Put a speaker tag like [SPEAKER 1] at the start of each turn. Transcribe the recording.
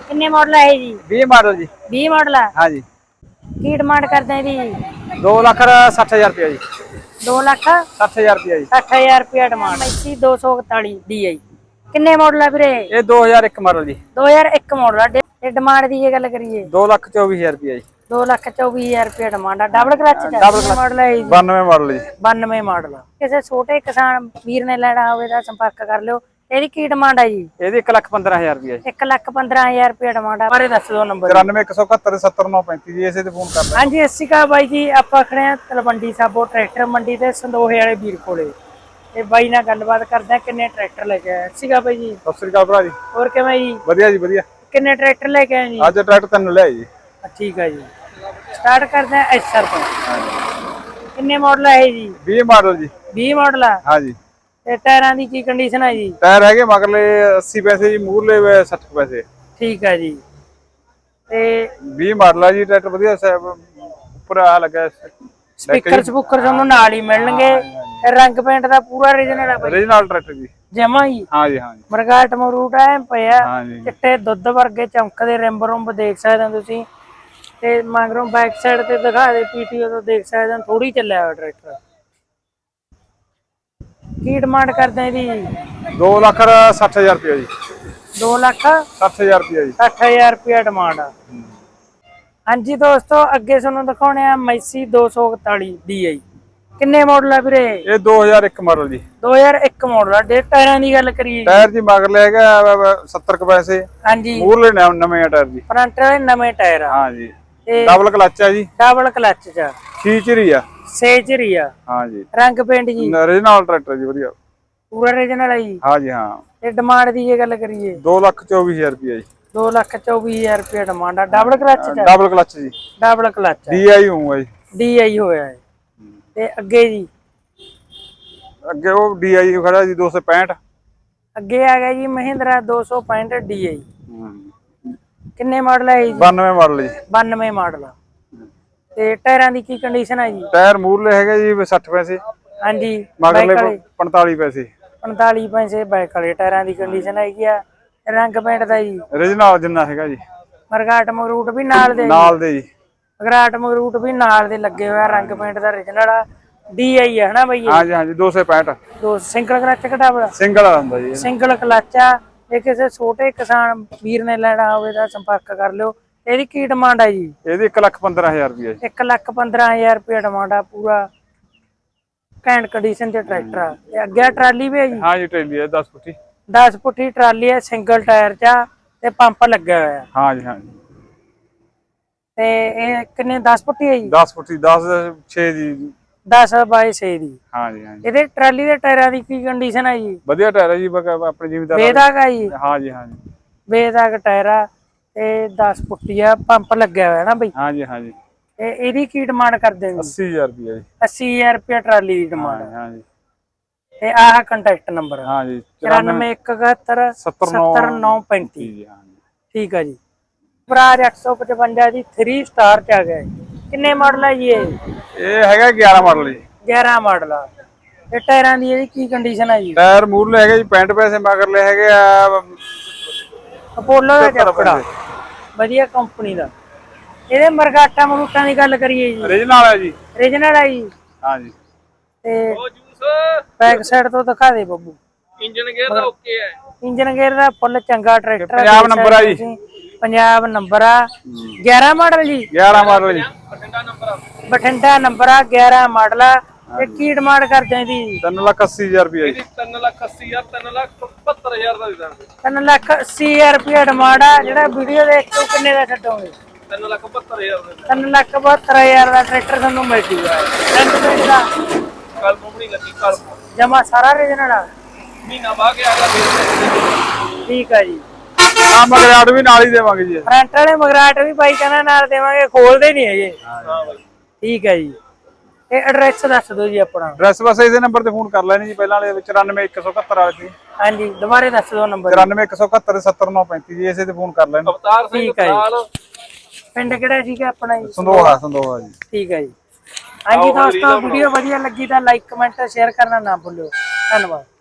[SPEAKER 1] किन्ने मॉडल है जी?
[SPEAKER 2] 20 मॉडल जी।
[SPEAKER 1] 20 मॉडल है।
[SPEAKER 2] हाँ जी।
[SPEAKER 1] की डिमांड करते हैं जी?
[SPEAKER 2] 2,60,000 रुपया जी।
[SPEAKER 1] 2,60,000
[SPEAKER 2] रुपया जी।
[SPEAKER 1] 60,000 रुपया डिमांड। मैसी 241 DI किन्ने मॉडल है वीरे?
[SPEAKER 2] ये 2001 मॉडल जी।
[SPEAKER 1] 2001 मॉडल है। ये डिमांड दी गल करिए
[SPEAKER 2] 2,24,000 रुपया जी।
[SPEAKER 1] 2,24,000 रुपया डिमांड है। डबल क्लच
[SPEAKER 2] डबल
[SPEAKER 1] किन्ने मॉडल है जी?
[SPEAKER 2] 92 मॉडल जी।
[SPEAKER 1] 92 मॉडल। किसी छोटे किसान वीर ने लेना होवे तां संपर्क कर लियो। ਇਹਦੀ ਕੀ ਡਿਮਾਂਡ ਹੈ ਜੀ?
[SPEAKER 2] ਇਹਦੀ 1,15,000 ਰੁਪਏ ਜੀ।
[SPEAKER 1] 1,15,000 ਰੁਪਏ ਡਿਮਾਂਡ ਆ। ਬਾਰੇ ਦੱਸ ਦਿਓ ਨੰਬਰ।
[SPEAKER 2] 93 171 70935 ਜੀ, ਇਸੇ ਤੇ ਫੋਨ ਕਰ ਲੈ।
[SPEAKER 1] ਹਾਂਜੀ ਸਤਿ ਸ਼੍ਰੀ ਅਕਾਲ ਬਾਈ ਜੀ, ਆਪਾਂ ਖੜੇ ਆ ਤਲਵੰਡੀ ਸਾਬੋ ਟਰੈਕਟਰ ਮੰਡੀ ਤੇ ਸੰਦੋਹੇ ਵਾਲੇ ਵੀਰ ਕੋਲੇ। ਤੇ ਬਾਈ ਨਾਲ ਗੱਲਬਾਤ ਕਰਦੇ ਆ ਕਿੰਨੇ ਟਰੈਕਟਰ ਲੈ ਕੇ ਆਏ। ਸਤਿ ਸ਼੍ਰੀ ਅਕਾਲ ਬਾਈ ਜੀ।
[SPEAKER 2] ਸਤਿ ਸ੍ਰੀ ਅਕਾਲ ਭਰਾ ਜੀ।
[SPEAKER 1] ਹੋਰ ਕਿਵੇਂ ਜੀ?
[SPEAKER 2] ਵਧੀਆ ਜੀ ਵਧੀਆ।
[SPEAKER 1] ਕਿੰਨੇ ਟਰੈਕਟਰ ਲੈ ਕੇ ਆਏ ਜੀ?
[SPEAKER 2] ਅੱਜ ਟਰੈਕਟਰ ਤਿੰਨ ਲਿਆ ਜੀ।
[SPEAKER 1] ਠੀਕ ਹੈ ਜੀ, ਸਟਾਰਟ ਕਰਦੇ ਆ ਐਸਆਰ ਤੋਂ। ਕਿੰਨੇ ਮਾਡਲ ਹੈ ਜੀ?
[SPEAKER 2] 20 ਮਾਡਲ ਜੀ।
[SPEAKER 1] 20 ਮਾਡਲ ਆ।
[SPEAKER 2] ਹਾਂ ਜੀ।
[SPEAKER 1] ਤੇ ਟਾਇਰਾਂ ਦੀ ਕੀ ਕੰਡੀਸ਼ਨ ਹੈ ਜੀ?
[SPEAKER 2] ਟਾਇਰ ਹੈਗੇ ਮਗਰਲੇ 80 ਪੈਸੇ ਜੀ, ਮੂਹਰਲੇ 60 ਪੈਸੇ।
[SPEAKER 1] ਠੀਕ ਹੈ ਜੀ। ਤੇ
[SPEAKER 2] 20 ਮਾਡਲ ਆ ਜੀ ਟਰੈਕਟਰ, ਵਧੀਆ ਉੱਪਰ ਆ ਲੱਗਾ
[SPEAKER 1] ਸਪੀਕਰ ਸਪੂਕਰ ਤੁਹਾਨੂੰ ਨਾਲ ਹੀ ਮਿਲਣਗੇ। ਰੰਗ ਪੇਂਟ ਦਾ ਪੂਰਾ ਓਰੀਜਨਲ ਹੈ ਬਾਈ।
[SPEAKER 2] ਓਰੀਜਨਲ ਟਰੈਕਟਰ ਜੀ
[SPEAKER 1] ਜਮਾ ਹੀ।
[SPEAKER 2] ਹਾਂ ਜੀ ਹਾਂ ਜੀ।
[SPEAKER 1] ਮਰਗਾਟ ਮਰੂਟ ਐ ਪਿਆ,
[SPEAKER 2] ਹਾਂ ਜੀ।
[SPEAKER 1] ਚਿੱਟੇ ਦੁੱਧ ਵਰਗੇ ਚਮਕਦੇ ਰਿੰਬ ਰੁੰਬ ਦੇਖ ਸਕਦੇ ਹੋ ਤੁਸੀਂ। ਤੇ ਮਗਰੋਂ ਬੈਕ ਸਾਈਡ ਤੇ ਦਿਖਾ ਦੇ ਪੀਟੀਓ ਤੋਂ ਦੇਖ ਸਕਦੇ ਹੋ ਥੋੜੀ ਚੱਲਿਆ ਹੋਇਆ ਟਰੈਕਟਰ। ਕੀ ਡਿਮਾਂਡ ਕਰਦੇ ਆ ਜੀ?
[SPEAKER 2] 2,60,000 ਰੁਪਏ ਜੀ।
[SPEAKER 1] 2,60,000
[SPEAKER 2] ਰੁਪਏ ਜੀ।
[SPEAKER 1] 60,000 ਰੁਪਇਆ ਡਿਮਾਂਡ ਆ। ਹਾਂਜੀ ਦੋਸਤੋ, ਅੱਗੇ ਤੁਹਾਨੂੰ ਦਿਖਾਉਣੇ ਆ ਮੈਸੀ 241 DI। ਕਿੰਨੇ ਮਾਡਲ ਆ ਵੀਰੇ?
[SPEAKER 2] ਇਹ 2001 ਮਾਡਲ ਜੀ।
[SPEAKER 1] 2001 ਮਾਡਲ ਆ। ਡੇ ਟਾਇਰਾਂ ਦੀ ਗੱਲ ਕਰੀਏ
[SPEAKER 2] ਟਾਇਰ ਜੀ ਮਗਰਲੇ ਹੈਗਾ 70 ਕੁ ਪੈਸੇ।
[SPEAKER 1] ਹਾਂਜੀ।
[SPEAKER 2] ਮੂਹਰਲੇ ਨਵੇਂ ਆ ਟਾਇਰ ਜੀ।
[SPEAKER 1] ਫਰੰਟ ਵਾਲੇ ਨਵੇਂ ਟਾਇਰ ਆ।
[SPEAKER 2] ਹਾਂ ਜੀ।
[SPEAKER 1] ਤੇ
[SPEAKER 2] ਡਬਲ ਕਲਚ ਆ ਜੀ।
[SPEAKER 1] ਡਬਲ ਕਲਚ ਚ
[SPEAKER 2] ਫੀਚਰ ਹੀ ਆ।
[SPEAKER 1] ਸੇਜਰੀ ਆ।
[SPEAKER 2] ਹਾਂ ਜੀ।
[SPEAKER 1] ਰੰਗ ਪੇਂਟ ਜੀ
[SPEAKER 2] ਓਰੀਜਨਲ ਟਰੈਕਟਰ ਜੀ, ਵਧੀਆ
[SPEAKER 1] ਪੂਰਾ ਓਰੀਜਨਲ ਆ ਜੀ।
[SPEAKER 2] ਹਾਂ ਜੀ ਹਾਂ।
[SPEAKER 1] ਤੇ ਡਿਮਾਂਡ ਦੀ ਜੇ ਗੱਲ ਕਰੀਏ
[SPEAKER 2] 2,24,000 ਰੁਪਏ ਜੀ।
[SPEAKER 1] 2,24,000 ਰੁਪਏ ਡਿਮਾਂਡ ਆ। ਡਬਲ ਕਲਚ ਚ?
[SPEAKER 2] ਡਬਲ ਕਲਚ ਜੀ।
[SPEAKER 1] ਡਬਲ ਕਲਚ
[SPEAKER 2] DI ਹੋਊਗਾ ਜੀ।
[SPEAKER 1] DI ਹੋਇਆ ਹੈ। ਤੇ ਅੱਗੇ ਜੀ?
[SPEAKER 2] ਅੱਗੇ ਉਹ DI ਖੜਾ ਜੀ 265।
[SPEAKER 1] ਅੱਗੇ ਆ ਗਿਆ ਜੀ ਮਹਿੰਦਰਾ 265 DI। ਕਿੰਨੇ ਮਾਡਲ ਹੈ ਜੀ?
[SPEAKER 2] 92 ਮਾਡਲ ਜੀ।
[SPEAKER 1] 92 ਮਾਡਲ। ਤੇ ਟਾਇਰਾਂ ਦੀ ਕੀ ਕੰਡੀਸ਼ਨ ਹੈ ਜੀ?
[SPEAKER 2] ਟਾਇਰ ਮੂਹਰਲੇ ਹੈਗੇ ਜੀ 60 ਪੈਸੇ।
[SPEAKER 1] ਹਾਂਜੀ।
[SPEAKER 2] ਮਗਰਲੇ 45 ਪੈਸੇ।
[SPEAKER 1] 45 ਪੈਸੇ ਬੈਕ ਵਾਲੇ ਟਾਇਰਾਂ ਦੀ ਕੰਡੀਸ਼ਨ ਹੈਗੀ ਆ। ਰੰਗ ਪੇਂਟ ਦਾ ਜੀ
[SPEAKER 2] ਓਰੀਜਨਲ ਜਿੰਨਾ ਹੈਗਾ ਜੀ।
[SPEAKER 1] ਮਰਗਾਟ ਮਰੂਟ ਵੀ ਨਾਲ ਦੇ
[SPEAKER 2] ਜੀ।
[SPEAKER 1] ਮਰਗਾਟ ਮਰੂਟ ਵੀ ਨਾਲ ਦੇ ਲੱਗੇ ਹੋਇਆ। ਰੰਗ ਪੇਂਟ ਦਾ ਓਰੀਜਨਲ ਆ। DI ਹੈ ਹਨਾ ਬਈ?
[SPEAKER 2] ਹਾਂ ਜੀ ਹਾਂ ਜੀ। 265।
[SPEAKER 1] ਦੋ ਸਿੰਗਲ ਕਲਚ ਘਟਾਵਾ?
[SPEAKER 2] ਸਿੰਗਲ ਹੁੰਦਾ ਜੀ।
[SPEAKER 1] ਸਿੰਗਲ ਕਲਚ ਆ। ਜੇ ਕਿਸੇ ਛੋਟੇ ਕਿਸਾਨ ਵੀਰ ਨੇ ਲੈਣਾ ਹੋਵੇ ਤਾਂ ਸੰਪਰਕ ਕਰ ਲਿਓ। ਇਹਦੀ ਕੀ ਡਿਮਾਂਡ ਹੈ ਜੀ?
[SPEAKER 2] ਇਹਦੀ 1,15,000 ਰੁਪਏ।
[SPEAKER 1] 1,15,000 ਰੁਪਏ ਡਿਮਾਂਡ ਆ। ਪੂਰਾ ਘੈਂਟ ਕੰਡੀਸ਼ਨ ਤੇ ਟਰੈਕਟਰ ਆ। ਤੇ ਅੱਗੇ ਟਰਾਲੀ ਵੀ ਹੈ ਜੀ?
[SPEAKER 2] ਹਾਂ ਜੀ ਟਰਾਲੀ ਹੈ 10 ਫੁੱਟੀ।
[SPEAKER 1] 10 ਫੁੱਟੀ ਟਰਾਲੀ ਹੈ, ਸਿੰਗਲ ਟਾਇਰ ਚ ਆ ਤੇ ਪੰਪ ਲੱਗਿਆ ਹੋਇਆ।
[SPEAKER 2] ਹਾਂ ਜੀ ਹਾਂ ਜੀ।
[SPEAKER 1] ਤੇ ਇਹ ਕਿੰਨੇ 10 ਫੁੱਟੀ ਹੈ ਜੀ?
[SPEAKER 2] 10 ਫੁੱਟੀ 10 6 ਦੀ।
[SPEAKER 1] 10 ਬਾਈ 6 ਦੀ।
[SPEAKER 2] ਹਾਂ ਜੀ ਹਾਂ ਜੀ।
[SPEAKER 1] ਇਹਦੇ ਟਰਾਲੀ ਦੇ ਟਾਇਰਾਂ ਦੀ ਕੀ ਕੰਡੀਸ਼ਨ ਹੈ ਜੀ?
[SPEAKER 2] ਵਧੀਆ ਟਾਇਰ ਹੈ ਜੀ, ਆਪਣੇ ਜ਼ਿਮੀਦਾਰ
[SPEAKER 1] ਬੇਦਾਗ ਆ ਜੀ?
[SPEAKER 2] ਹਾਂ ਜੀ ਹਾਂ ਜੀ।
[SPEAKER 1] ਬੇਦਾਗ ਟਾਇਰ ਆ ਤੇ 10 ਫੁੱਟੀ ਆ, ਪੰਪ ਲੱਗਿਆ ਹੋਇਆ ਨਾ ਬਈ?
[SPEAKER 2] ਹਾਂ ਜੀ ਹਾਂ ਜੀ।
[SPEAKER 1] ਤੇ ਇਹਦੀ ਕੀ ਡਿਮਾਂਡ ਕਰਦੇ ਹੋ?
[SPEAKER 2] 80,000 ਰੁਪਏ ਜੀ।
[SPEAKER 1] 80,000 ਰੁਪਏ ਟਰਾਲੀ ਦੀ ਡਿਮਾਂਡ।
[SPEAKER 2] ਹਾਂ ਜੀ।
[SPEAKER 1] ਤੇ ਆਹ ਕੰਟੈਕਟ ਨੰਬਰ
[SPEAKER 2] ਹਾਂ ਜੀ
[SPEAKER 1] 94 171 70935। ਠੀਕ ਆ ਜੀ। ਬਰਾਜ 855 ਜੀ 3 ਸਟਾਰ ਚ ਆ ਗਿਆ। ਕਿੰਨੇ ਮਾਡਲ ਹੈ ਜੀ ਇਹ?
[SPEAKER 2] ਇਹ ਹੈਗਾ 11 ਮਾਡਲ ਜੀ।
[SPEAKER 1] 11 ਮਾਡਲ ਆ। ਤੇ ਟਾਇਰਾਂ ਦੀ ਇਹਦੀ ਕੀ ਕੰਡੀਸ਼ਨ ਹੈ ਜੀ?
[SPEAKER 2] ਟਾਇਰ ਮੂਹਰਲੇ ਹੈਗੇ ਜੀ 65 ਪੈਸੇ, ਮਗਰਲੇ ਹੈਗੇ ਆ
[SPEAKER 1] ਅਪੋਲੋ ਦਾ ਚੱਪੜਾ, ਵਧੀਆ ਕੰਪਨੀ ਦਾ। ਇਹਦੇ ਮਰਗਾਟਾ ਮਰੂਟਾਂ ਦੀ ਗੱਲ ਕਰੀਏ ਜੀ?
[SPEAKER 2] ਓਰੀਜਨਲ ਹੈ ਜੀ।
[SPEAKER 1] ਓਰੀਜਨਲ ਹੈ ਜੀ।
[SPEAKER 2] ਹਾਂ ਜੀ।
[SPEAKER 1] ਤੇ ਬੈਕ ਸਾਈਡ ਤੋਂ ਦਿਖਾ ਦੇ ਬੱਬੂ।
[SPEAKER 2] ਇੰਜਨ ਗੇਅਰ ਦਾ ਓਕੇ ਹੈ।
[SPEAKER 1] ਇੰਜਨ ਗੇਅਰ ਦਾ ਫੁੱਲ ਚੰਗਾ ਟਰੈਕਟਰ।
[SPEAKER 2] ਪੰਜਾਬ ਨੰਬਰ ਆ ਜੀ।
[SPEAKER 1] ਪੰਜਾਬ ਨੰਬਰ ਆ। 11 ਮਾਡਲ ਜੀ?
[SPEAKER 2] 11 ਮਾਡਲ ਜੀ।
[SPEAKER 1] ਬਠਿੰਡਾ ਨੰਬਰ ਆ। 11 ਮਾਡਲ ਆ। ਤੇ ਕੀ ਡਿਮਾਂਡ ਕਰਦੇ ਆ ਜੀ?
[SPEAKER 2] 3,80,000 ਰੁਪਏ ਜੀ।
[SPEAKER 3] 3,80,000 3,70,000 ਦਾ ਦੇ ਦਾਂਗੇ।
[SPEAKER 1] 3,80,000 ਰੁਪਏ ਡਿਮਾਂਡ ਆ। ਜਿਹੜਾ ਵੀਡੀਓ ਦੇਖ ਕੇ ਕਿੰਨੇ ਦਾ ਛੱਡੋਗੇ?
[SPEAKER 3] 3,72,000 ਦਾ।
[SPEAKER 1] 3,72,000 ਦਾ ਟਰੈਕਟਰ ਤੁਹਾਨੂੰ ਮਿਲ ਜੂਗਾ। ਰੰਗ ਪੇਂਟ ਦਾ
[SPEAKER 3] ਕਲਮ ਨਹੀਂ ਲੱਗੀ, ਕਲਮ
[SPEAKER 1] ਜਮਾ ਸਾਰਾ ਓਰੀਜਨਲ ਆ।
[SPEAKER 3] ਮਹੀਨਾ ਬਾਅਦ ਆ ਗਿਆ।
[SPEAKER 1] ਠੀਕ ਆ ਜੀ।
[SPEAKER 2] ਹਾਂ ਮਗਰਾਟ ਵੀ ਨਾਲ ਹੀ ਦੇਵਾਂਗੇ ਜੀ।
[SPEAKER 1] ਫਰੰਟ ਵਾਲੇ ਮਗਰਾਟ ਵੀ ਬਾਈ ਕਹਿੰਦਾ ਨਾਲ ਦੇਵਾਂਗੇ, ਖੋਲਦੇ ਨਹੀਂ ਹੈਗੇ।
[SPEAKER 3] ਹਾਂ ਬਾਈ।
[SPEAKER 1] ਠੀਕ ਹੈ ਜੀ। ਇਹ ਐਡਰੈਸ ਦੱਸ ਦਿਓ ਜੀ ਆਪਣਾ।
[SPEAKER 2] ਐਡਰੈਸ ਬਸ ਇਸੇ ਨੰਬਰ ਤੇ ਫੋਨ ਕਰ ਲੈਣੀ ਜੀ, ਪਹਿਲਾਂ ਵਾਲੇ 94 171 ਵਾਲੇ ਸੀ।
[SPEAKER 1] ਹਾਂਜੀ ਦੁਬਾਰੇ ਦੱਸ ਦਿਓ ਨੰਬਰ।
[SPEAKER 2] 94 171 70935 ਜੀ, ਇਸੇ ਤੇ ਫੋਨ ਕਰ ਲੈਣ।
[SPEAKER 3] ਅਵਤਾਰ ਸਿੰਘ ਨਾਲ।
[SPEAKER 1] ਪਿੰਡ ਕਿਹੜਾ ਸੀਗਾ ਆਪਣਾ ਜੀ?
[SPEAKER 2] ਸੰਦੋਹਾ। ਸੰਦੋਹਾ ਜੀ।
[SPEAKER 1] ਠੀਕ ਹੈ ਜੀ। ਹਾਂਜੀ ਦੋਸਤੋ, ਵੀਡੀਓ ਵਧੀਆ ਲੱਗੀ ਤਾਂ ਲਾਈਕ ਕਮੈਂਟ ਸ਼ੇਅਰ ਕਰਨਾ ਨਾ ਭੁੱਲਿਓ। ਧੰਨਵਾਦ।